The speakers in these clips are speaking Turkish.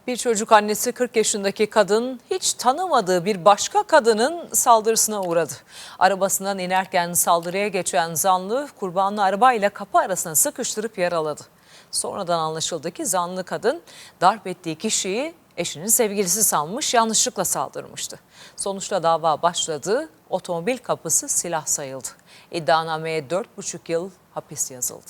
Bir çocuk annesi 40 yaşındaki kadın hiç tanımadığı bir başka kadının saldırısına uğradı. Arabasından inerken saldırıya geçen zanlı kurbanlı arabayla kapı arasına sıkıştırıp yaraladı. Sonradan anlaşıldı ki zanlı kadın darp ettiği kişiyi eşinin sevgilisi sanmış, yanlışlıkla saldırmıştı. Sonuçta dava başladı, otomobil kapısı silah sayıldı. İddianameye 4,5 yıl hapis yazıldı.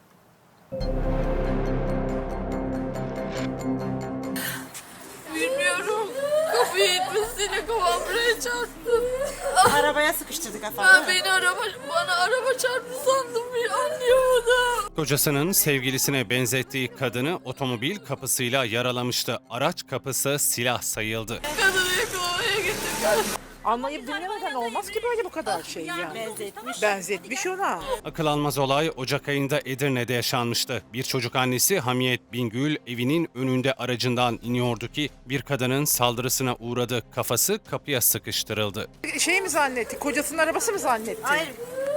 Bilmiyorum. Kapıyı itmesiyle kafam buraya çarptı. Arabaya sıkıştırdık efendim. Bana araba çarptı sandım, bir anlayamadım. Kocasının sevgilisine benzettiği kadını otomobil kapısıyla yaralamıştı. Araç kapısı silah sayıldı. Kadını yakalamaya gittim. Anlayıp dinlemeden olmaz ki böyle bu kadar şey yani. Benzetmiş ona. Akıl almaz olay Ocak ayında Edirne'de yaşanmıştı. Bir çocuk annesi Hamiyet Bingül evinin önünde aracından iniyordu ki bir kadının saldırısına uğradı. Kafası kapıya sıkıştırıldı. Şey mi zannetti? Kocasının arabası mı zannetti? Hayır.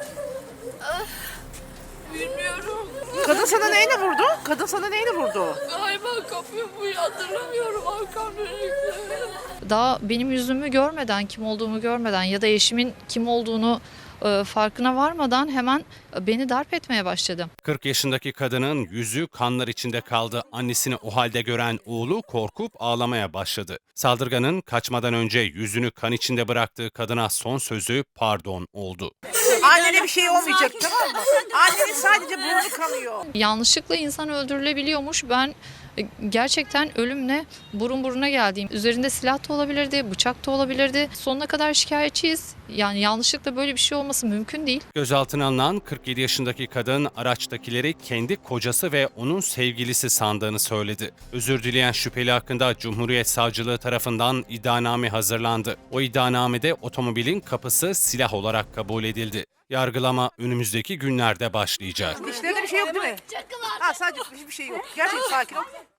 Bilmiyorum. Kadın sana neyle vurdu? Kadın sana neyle vurdu? Galiba kapıyı hatırlamıyorum. Arkam dönüktü. Daha benim yüzümü görmeden, kim olduğumu görmeden ya da eşimin kim olduğunu farkına varmadan hemen beni darp etmeye başladı. 40 yaşındaki kadının yüzü kanlar içinde kaldı. Annesini o halde gören oğlu korkup ağlamaya başladı. Saldırganın kaçmadan önce yüzünü kan içinde bıraktığı kadına son sözü pardon oldu. Annene bir şey olmayacak, tamam mı? Annenin sadece burnu kanıyor. Yanlışlıkla insan öldürülebiliyormuş. Ben gerçekten ölümle burun buruna geldiğim. Üzerinde silah da olabilirdi, bıçak da olabilirdi. Sonuna kadar şikayetçiyiz. Yani yanlışlıkla böyle bir şey olması mümkün değil. Gözaltına alınan 47 yaşındaki kadın araçtakileri kendi kocası ve onun sevgilisi sandığını söyledi. Özür dileyen şüpheli hakkında Cumhuriyet Savcılığı tarafından iddianame hazırlandı. O iddianamede otomobilin kapısı silah olarak kabul edildi. Yargılama önümüzdeki günlerde başlayacak. Dişlerinde bir şey yok değil mi? Ha, sadece hiçbir şey yok. Gerçekten sakin ol.